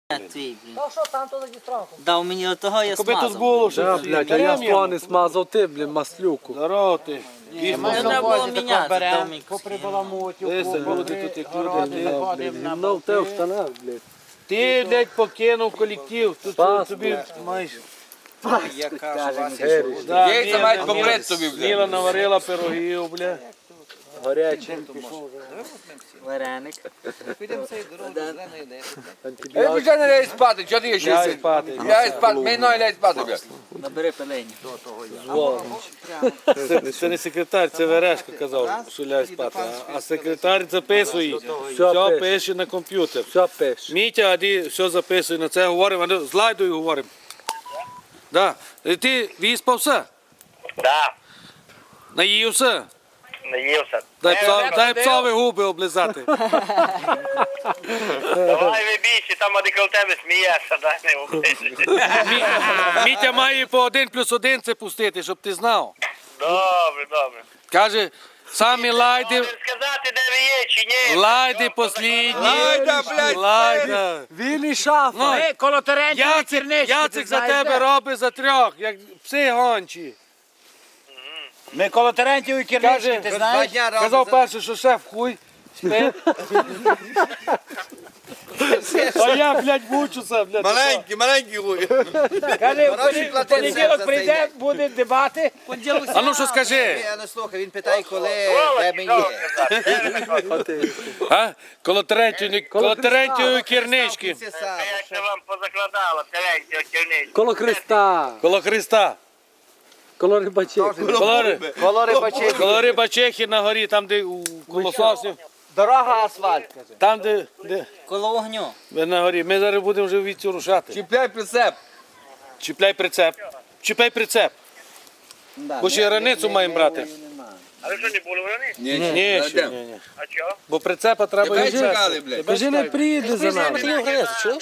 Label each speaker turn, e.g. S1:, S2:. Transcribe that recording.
S1: Твій, блін.
S2: Та що там то за дістранку?
S1: Дав мені отого, я
S3: Коби тут
S1: смазав.
S3: було, що
S4: Да, блядь, а я плани смазав ти, блін, маслюку.
S3: Здорово ти.
S1: Не треба було міняти, дав мені
S3: Дивися, люди тут як люди.
S4: Гімно в те в штанах, блядь.
S3: Ти, блядь, покинув колектив. Тут
S4: Паспорт.
S3: тобі маєш.
S4: Да,
S5: Яйця мають побрити собі, блядь.
S3: Міла наварила пирогів, блядь.
S4: Гарячий.
S1: вареник.
S5: Я вже не ляй спати, чого ти ще
S3: Ляй
S5: сидиш?
S3: спати.
S5: Ляй спати, мені ноги ляй спати, блядь.
S1: Набери пелені.
S3: Це не секретар, це Верешко казав, що ляй спати. А секретар записує.
S4: Все
S3: Все
S4: пише.
S3: пише на комп'ютер.
S4: Все пиш.
S3: Мітя, а ти все записує, на це говоримо, а ну, з Лайдою говоримо. Да. Ти виспався?
S6: Да,
S3: Наївся?
S6: наївся.
S3: Дай псові губи облизати.
S6: Давай ви більше, там адекват тебе смієшся, дай не обличчя.
S3: Мітя має по 1+1 це пустити, щоб ти знав.
S6: Добре, добре.
S3: Каже, самі лайди,
S6: Можеш сказати, де ви є чи ні?
S3: лайди послідні.
S5: Лайда, блядь,
S3: Лайда.
S4: Він і шафа.
S3: Ну,
S2: Коло Терентьєва
S3: Яцик за тебе робить за трьох, як пси гончі.
S2: Ми коло Терентьєва і
S3: Каже,
S2: ти знаєш?
S3: казав перше, що шеф хуй спить. А я, блядь, мучуся, блядь.
S5: маленький хуй.
S2: Каже, в понеділок прийде, буде дебати.
S3: А ну що скажи?
S7: Я не слухаю, він питає, коли тебе
S6: Що
S7: є.
S6: казати?
S3: А? Коло Терентьєвої кернички.
S7: Це саме.
S6: Як це вам позакладало, Терентьєва керничка?
S4: Коло Христа.
S3: Коло Христа.
S4: Коло рибачей.
S3: Коло Рибачехи на горі, там де у колососі.
S7: Дорога асфальт, каже.
S3: Там, де
S1: Коло вогню.
S3: ви на горі. Ми зараз будемо вже віці рушати.
S5: Чіпляй прицеп.
S3: Чіпляй прицеп. Чіпляй прицеп. Бо ще раницю маємо брати.
S6: А ви що, не були вони?
S3: Ні, ще, ні.
S6: А чого?
S3: Бо прицепа треба
S5: Тебе
S3: і
S5: чекали, блядь.
S4: Кажи, не приїде за нами.
S1: Чуєш?